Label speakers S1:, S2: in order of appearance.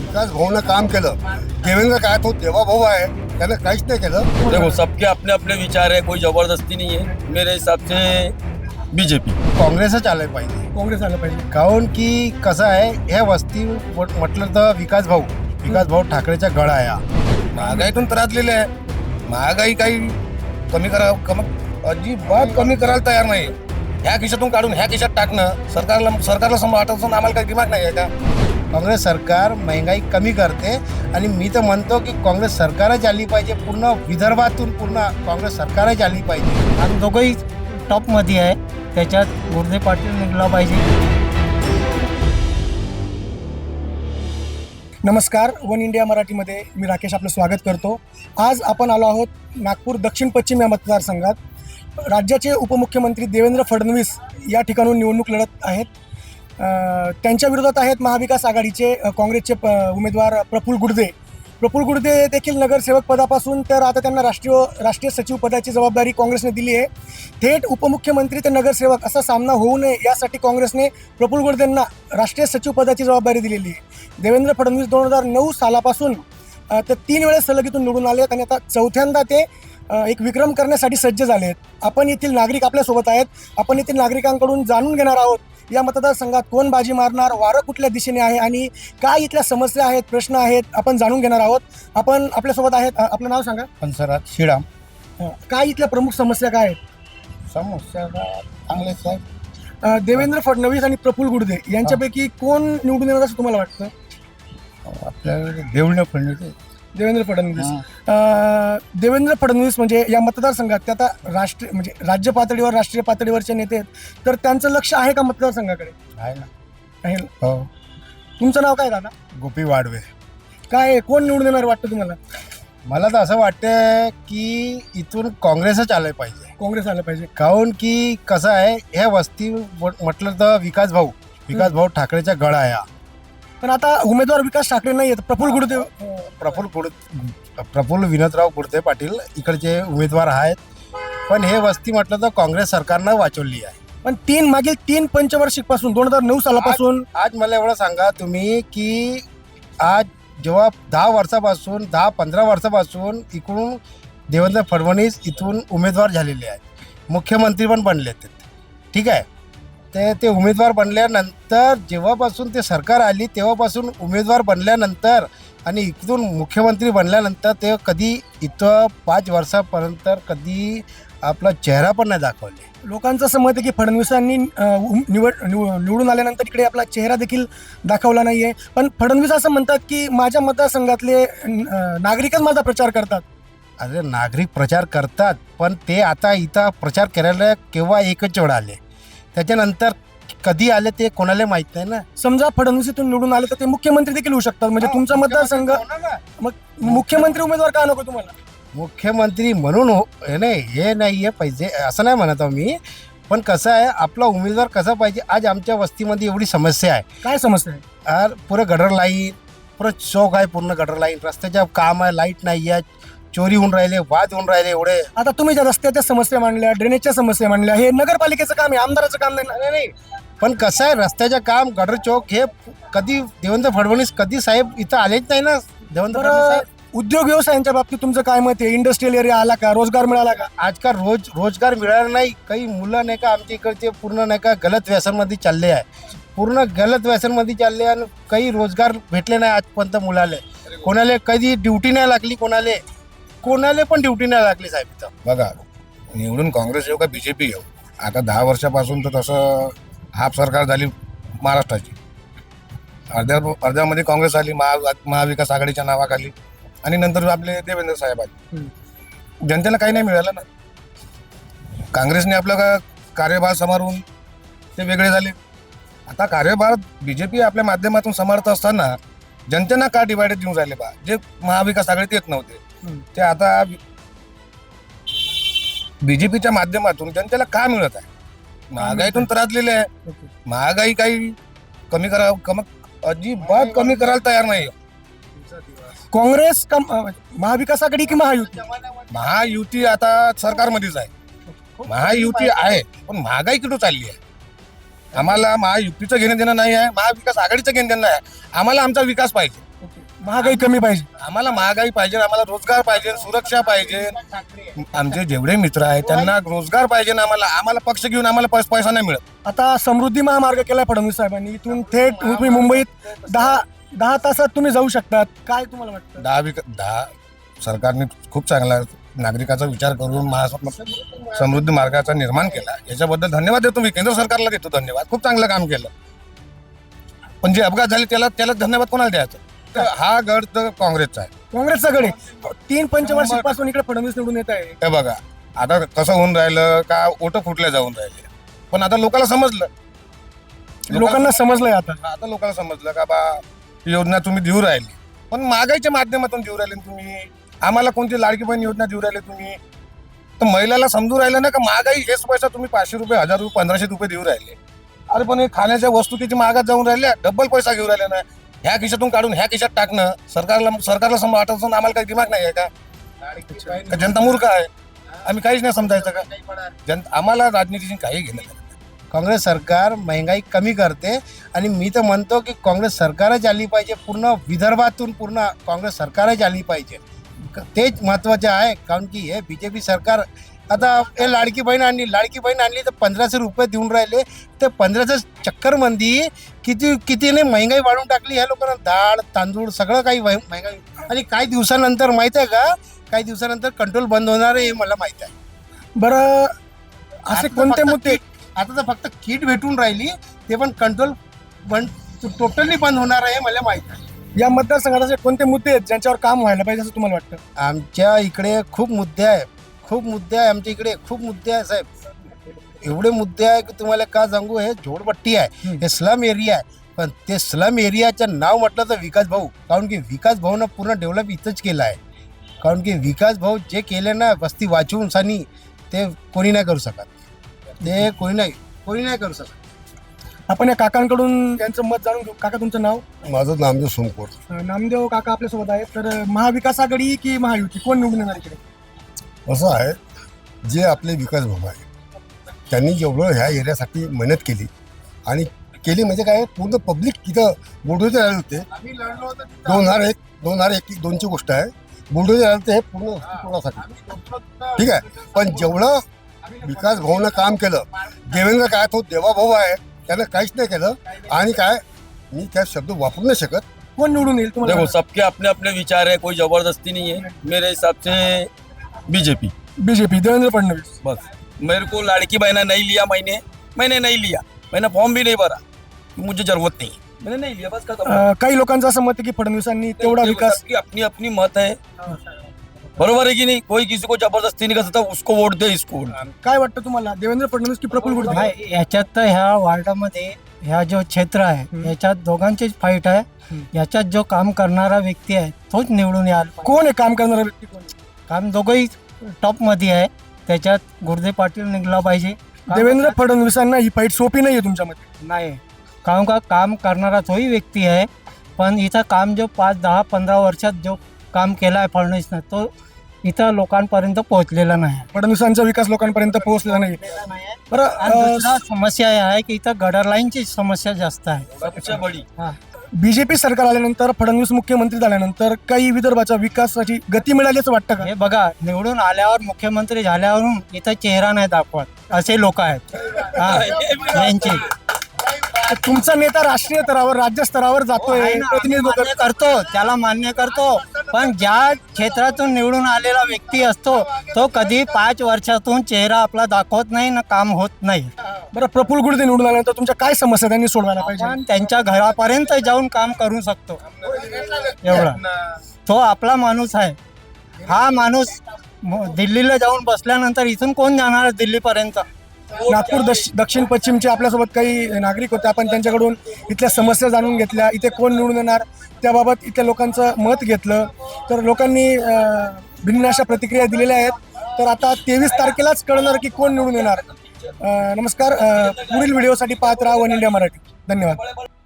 S1: विकास भाऊनं काम केलं. देवेंद्र काय तो देवा भाऊ आहे, त्याने काहीच नाही केलं.
S2: देखो सबके अपने अपने विचार है, कोई जबरदस्ती नहीं है. मेरे हिसाब से बीजेपी.
S1: काँग्रेसच आलं पाहिजे.
S3: काँग्रेस आलं पाहिजे.
S1: काहून की कसं आहे, ह्या वस्ती म्हटलं तर विकास भाऊ ठाकरेच्या गळा आहे.
S4: महागाईतून त्रासलेले आहे. महागाई काही अजिबात कमी करायला तयार नाही. ह्या खिशातून काढून ह्या खिशात टाकणं सरकारला वाटत आम्हाला काही दिमाग नाही आहे का?
S1: काँग्रेस सरकार महंगाई कमी करते आणि मी तर म्हणतो की काँग्रेस सरकारच आली पाहिजे. पूर्ण विदर्भातून पूर्ण काँग्रेस सरकारच आली पाहिजे.
S3: आणि दोघंही टॉपमध्ये आहे, त्याच्यात गुर्दे पाटील निघला पाहिजे. नमस्कार, वन इंडिया मराठीमध्ये मी राकेश आपलं स्वागत करतो. आज आपण आलो आहोत नागपूर दक्षिण पश्चिम या मतदारसंघात. राज्याचे उपमुख्यमंत्री देवेंद्र फडणवीस या ठिकाणून निवडणूक लढत आहेत. त्यांच्या विरोधात आहेत महाविकास आघाडीचे काँग्रेसचे उमेदवार प्रफुल्ल गुर्दे देखील नगरसेवक पदापासून तर आता त्यांना राष्ट्रीय सचिव पदाची जबाबदारी काँग्रेसने दिली आहे. थेट उपमुख्यमंत्री ते नगरसेवक असा सामना होऊ नये यासाठी काँग्रेसने प्रफुल्ल गुर्देंना राष्ट्रीय सचिव पदाची जबाबदारी दिलेली आहे. देवेंद्र फडणवीस 2009 सालापासून ते 3 वेळेस सलगीतून निवडून आले आहेत आणि आता चौथ्यांदा ते एक विक्रम करण्यासाठी सज्ज झाले आहेत. आपण येथील नागरिक आपल्यासोबत आहेत. आपण येथील नागरिकांकडून जाणून घेणार आहोत या मतदारसंघात कोण बाजी मारणार, वारं कुठल्या दिशेने आहे आणि काय इथल्या समस्या आहेत, प्रश्न आहेत, आपण जाणून घेणार आहोत. आपण आपल्यासोबत आहेत. आपलं नाव सांगा.
S1: पंचरात श्रीराम.
S3: काय इथल्या प्रमुख समस्या काय आहेत?
S1: समस्या चांगलेच आहे.
S3: देवेंद्र फडणवीस आणि प्रफुल्ल गुर्दे यांच्यापैकी कोण निवडून येणार असं तुम्हाला वाटतं?
S1: आपल्याला देवेंद्र फडणवीस.
S3: देवेंद्र फडणवीस म्हणजे या मतदारसंघात ते आता राज्य पातळीवर राष्ट्रीय पातळीवरचे नेते आहेत, तर त्यांचं लक्ष आहे का मतदारसंघाकडे?
S1: आहे ना.
S3: आहे ना.
S1: हो.
S3: तुमचं नाव काय दादा?
S1: गोपी वाडवे.
S3: काय कोण निवडून येणार वाटतं तुम्हाला?
S1: मला तर असं वाटतं की इथून काँग्रेसच आलं पाहिजे.
S3: काँग्रेस आलं पाहिजे.
S1: काहून की कसं आहे, ह्या वस्ती म्हटलं तर विकास भाऊ ठाकरेच्या गळा आहे.
S3: पण आता उमेदवार विकास ठाकरे नाही आहेत,
S1: प्रफुल्ल विनोदराव गुर्दे पाटील इकडचे उमेदवार आहेत. पण हे वस्ती म्हटलं तर काँग्रेस सरकारनं वाचवली आहे.
S3: पण मागील 3 पंचवार्षिकपासून 2009 सालापासून
S1: आज मला एवढं सांगा तुम्ही की आज जेव्हा 10-15 वर्षापासून इकडून देवेंद्र फडणवीस इथून उमेदवार झालेले आहेत, मुख्यमंत्री पण बनले ते. ठीक आहे. ते उमेदवार बनल्यानंतर जेव्हापासून ते सरकार आली तेव्हापासून उमेदवार बनल्यानंतर आणि इथून मुख्यमंत्री बनल्यानंतर ते कधी इथं 5 वर्षापर्यंत कधी आपला चेहरा पण नाही दाखवले.
S3: लोकांचं असं मत आहे की फडणवीसांनी निवडून आल्यानंतर इकडे आपला चेहरा देखील दाखवला नाही आहे. पण फडणवीस असं म्हणतात की माझ्या मतदारसंघातले नागरिकच माझा प्रचार करतात.
S1: अरे नागरिक प्रचार करतात, पण ते आता इथं प्रचार करायला केव्हा एकच वेळ आले, त्याच्यानंतर कधी आले ते कोणाला माहित नाही ना.
S3: समजा फडणवीस इथून निवडून आले तर ते मुख्यमंत्री देखील होऊ शकतात. म्हणजे तुमचा मतदारसंघ मग मुख्यमंत्री उमेदवार का नको तुम्हाला?
S1: मुख्यमंत्री म्हणून हे नाही आहे पाहिजे असं नाही म्हणत आहो मी. पण कसं आहे, आपला उमेदवार कसा पाहिजे. आज आमच्या वस्तीमध्ये एवढी समस्या आहे.
S3: काय समस्या आहे?
S1: पुरं गटर लाईन, पुरं चौक आहे, पूर्ण गटर लाईन, रस्त्याच्या काम आहे, लाईट नाही आहे, चोरी होऊन राहिले, वाद होऊन राहिले एवढे.
S3: आता तुम्ही ज्या रस्त्याच्या समस्या मांडल्या, ड्रेनेजच्या समस्या मांडल्या, हे नगरपालिकेचं काम आहे, आमदाराचं काम नाही.
S1: पण कसं आहे, रस्त्याचं काम, गटर चौक हे कधी देवेंद्र फडणवीस कधी साहेब इथं आलेच नाही ना. देवेंद्र फडणवीस साहेब.
S3: उद्योग व्यवसायांच्या बाबतीत तुमचं काय मत आहे? इंडस्ट्रियल एरिया आला का? रोजगार मिळाला का?
S1: आजकाल रोजगार मिळाला नाही. काही मुलं नाही का आमच्या इकडचे पूर्ण नाही का गलत व्यसनमध्ये चालले आहे, आणि काही रोजगार भेटले नाही आजपर्यंत मुलाले. कोणाला कधी ड्युटी नाही लागली, कोणाला पण ड्युटी नाही लागली साहेब इथं.
S4: बघा, निवडून काँग्रेस येऊ का बीजेपी येऊ, आता 10 वर्षापासून तर तसं हाफ सरकार झाली महाराष्ट्राची. अर्ध्यामध्ये काँग्रेस आली महाविकास आघाडीच्या नावाखाली, आणि नंतर आपले देवेंद्र साहेब आले. जनतेला काही नाही मिळालं ना. काँग्रेसने आपलं कार्यभार सांभाळून ते वेगळे झाले. आता कार्यभार बीजेपी आपल्या माध्यमातून सांभाळत असताना जनतेना का डिवायडेड देऊन राहिले बा. जे महाविकास आघाडीत येत नव्हते ते आता बीजेपीच्या माध्यमातून जनतेला का मिळत आहे? महागाईतून त्रासलेले आहे. महागाई काही अजिबात कमी करायला तयार नाही.
S3: काँग्रेस का महाविकास आघाडी की
S4: महायुती आता सरकारमध्येच आहे. महायुती आहे, पण महागाई कुठं चालली आहे? आम्हाला महायुतीचं घेणं देणं नाही आहे, महाविकास आघाडीचं घेणं देणं आहे. आम्हाला आमचा विकास पाहिजे.
S3: महागाई कमी पाहिजे.
S4: आम्हाला महागाई पाहिजे, आम्हाला रोजगार पाहिजे, सुरक्षा पाहिजे. आमचे जेवढे मित्र आहेत त्यांना रोजगार पाहिजे ना. आम्हाला आम्हाला पक्ष घेऊन आम्हाला पैसा नाही मिळत.
S3: आता समृद्धी महामार्ग केलाय फडणवीस साहेबांनी. इथून थेट तुम्ही मुंबईत 10 तासात तुम्ही जाऊ शकतात. काय तुम्हाला वाटतं?
S4: 10 सरकारने खूप चांगला नागरिकाचा विचार करून समृद्धी मार्गाचा निर्माण केला. याच्याबद्दल धन्यवाद देतो मी, केंद्र सरकारला देतो धन्यवाद. खूप चांगलं काम केलं. पण जे अपघात झाले त्याला धन्यवाद कोणाला द्यायचं? तर हा गड तर काँग्रेसचा आहे.
S3: काँग्रेसचा गड आहे. 3 पंचवार्षिकपासून इकडे फडणवीस निवडून येत आहे.
S4: हे बघा आता कसं होऊन राहिलं का, ओटं फुटल्या जाऊन राहिले. पण आता लोकांना समजलं,
S3: लोकांना समजलंय आता
S4: लोकांना समजलं का बा योजना तुम्ही देऊ राहिली, पण महागाईच्या माध्यमातून देऊ राहिले तुम्ही. आम्हाला कोणती लाडकी बहीण योजना देऊ राहिले तुम्ही? तर महिलाला समजून राहिलं ना का महागाई हेच पैसा तुम्ही 500 रुपये, 1000 रुपये, 1500 रुपये देऊ राहिले. अरे पण हे खाण्याच्या वस्तू किती महागात जाऊन राहिल्या, डबल पैसा घेऊन राहिले ना. ह्या खिशातून काढून ह्या खिशात टाकणं सरकारला वाटत असून आम्हाला काही दिमाग नाही आहे का जनता मूर्ख आहे? आम्ही काहीच नाही समजायचं का? आम्हाला राजनीतीची काही घेणं नाही.
S1: काँग्रेस सरकार महंगाई कमी करते आणि मी तर म्हणतो की काँग्रेस सरकारच आली पाहिजे. पूर्ण विदर्भातून पूर्ण काँग्रेस सरकारच आली पाहिजे. तेच महत्त्वाचं आहे. कारण की हे BJP सरकार आता हे लाडकी बहीण आणली तर 1500 रुपये देऊन राहिले. ते 1500 चक्करमध्ये कितीने महंगाई वाढवून टाकली. ह्या लोकांना डाळ तांदूळ सगळं काही महंगाई. आणि काही दिवसानंतर माहीत आहे का, काही दिवसानंतर कंट्रोल बंद होणार आहे हे मला माहीत आहे.
S3: बरं, असे कोणते मुद्दे?
S1: आता तर फक्त किट भेटून राहिली, ते पण कंट्रोल टोटली बंद होणार आहे मला माहीत आहे.
S3: या मतदारसंघात असे कोणते मुद्दे आहेत ज्यांच्यावर काम व्हायला पाहिजे असं तुम्हाला वाटतं?
S1: आमच्या इकडे खूप मुद्दे आहे आमच्या इकडे खूप मुद्दे आहे साहेब. एवढे मुद्दे आहे की तुम्हाला का सांगू. हे झोडपट्टी आहे, हे स्लम एरिया आहे. पण ते स्लम एरियाचं नाव म्हटलं तर विकास भाऊ. कारण की विकास भाऊनं पूर्ण डेव्हलप इथंच केलं आहे. कारण की विकास भाऊ जे केले ना वस्ती वाचवून सानी, ते कोणी नाही करू शकत. ते कोणी नाही करू शकत.
S3: आपण या काकांकडून त्यांचं मत जाणून घेऊ. काका, तुमचं नाव?
S5: माझं नामदेव सोमकोर.
S3: नामदेव काका आपल्यासोबत आहेत. तर महाविकास आघाडी की महायुती, कोण निवडून येणार इकडे?
S5: असं आहे, जे आपले विकास भाऊ आहे त्यांनी जेवढं ह्या एरियासाठी मेहनत केली म्हणजे काय, पूर्ण पब्लिक तिथं बुलडोजर आले होते. 2001-2002ची गोष्ट आहे. बुलडोजर आले होते हे पूर्ण तोडासाठी. ठीक आहे, पण जेवढं विकास भाऊनं काम केलं, देवेंद्र काय तो देवाभाऊ आहे, त्यानं काहीच नाही केलं. आणि काय, मी त्या शब्द वापरू नाही शकत.
S3: कोण निवडून येईल तुम्हाला?
S2: देखो सबके अपने अपने विचार है, कोई जबरदस्ती नहीं है. मेरे हिसाब से बीजेपी.
S3: देवेंद्र फडणवीस.
S2: बस मेरे को लाड़की बहना नहीं लिया, मैंने नहीं लिया, मैंने फॉर्म भी नहीं भरा, मुझे जरूरत नहीं है, मैंने नहीं लिया, बस खत्म.
S3: काही लोकांचं असं मत आहे की फडणवीसांनी तेवढा विकास.
S2: सबकी अपनी अपनी मत है, बरोबर है की नहीं. कोई किसी को जबरदस्ती नहीं कर सकता, उसको वोट दे, इसको वोट दे.
S3: काय वाटतं तुम्हाला, देवेंद्र फडणवीस की प्रफुल्ल गुडदे?
S6: नाही, याच्यात तर ह्या वार्डामध्ये ह्या जो क्षेत्र आहे याच्यात दोघांचीच फाईट आहे. याच्यात जो काम करणारा व्यक्ती आहे तोच निवडून यायला.
S3: कोण आहे काम करणारा व्यक्ती? कोण आहे?
S6: काम दोघंही टॉपमध्ये आहे. त्याच्यात गुडदे पाटील निघला पाहिजे.
S3: देवेंद्र फडणवीसांना ही फाईट सोपी नाही आहे तुमच्या मते?
S6: नाही, कारण का काम करणारा तोही व्यक्ती आहे. पण इथं काम जो 5, 10, 15 वर्षात जो काम केला आहे फडणवीसनं, तो इथं लोकांपर्यंत पोहोचलेला नाही.
S3: फडणवीसांचा विकास लोकांपर्यंत पोहोचलेला नाही. बरं,
S6: दुसरा समस्या आहे की इथं गटर लाईनची समस्या जास्त आहे.
S2: सबसे बड़ी.
S3: BJP सरकार आल्यानंतर, फडणवीस मुख्यमंत्री झाल्यानंतर काही विदर्भाच्या विकासाची गती मिळाली असं वाटतं का?
S6: हे बघा, निवडून आल्यावर मुख्यमंत्री झाल्यावरून इथं चेहरा नाही दाखवत असे लोक आहेत. यांची
S3: तुमचा नेता राष्ट्रीय स्तरावर, राज्य स्तरावर जातोय, प्रतिनिधित्व
S6: मान्य करतो, त्याला मान्य करतो. पण ज्या क्षेत्रातून निवडून आलेला व्यक्ती असतो तो कधी 5 वर्षातून चेहरा आपला दाखवत नाही ना, काम होत नाही.
S3: बरं, प्रफुल्ल गुडदे निवडून आल्यानंतर तुमच्या काय समस्या त्यांनी सोडवायला पाहिजे?
S6: आपण त्यांच्या घरापर्यंत जाऊन काम करू शकतो, एवढा तो आपला माणूस आहे. हा माणूस दिल्लीला जाऊन बसल्यानंतर इथून कोण जाणार दिल्लीपर्यंत?
S3: नागपूर दक्षिण पश्चिमचे आपल्यासोबत काही नागरिक होते. आपण त्यांच्याकडून इथल्या समस्या जाणून घेतल्या. इथे कोण निवडून येणार त्याबाबत इथल्या लोकांचं मत घेतलं. तर लोकांनी भिन्न अशा प्रतिक्रिया दिलेल्या आहेत. तर आता 23 तारखेलाच कळणार की कोण निवडून येणार. नमस्कार, पुढील व्हिडिओसाठी पाहत राहा वन इंडिया मराठी. धन्यवाद.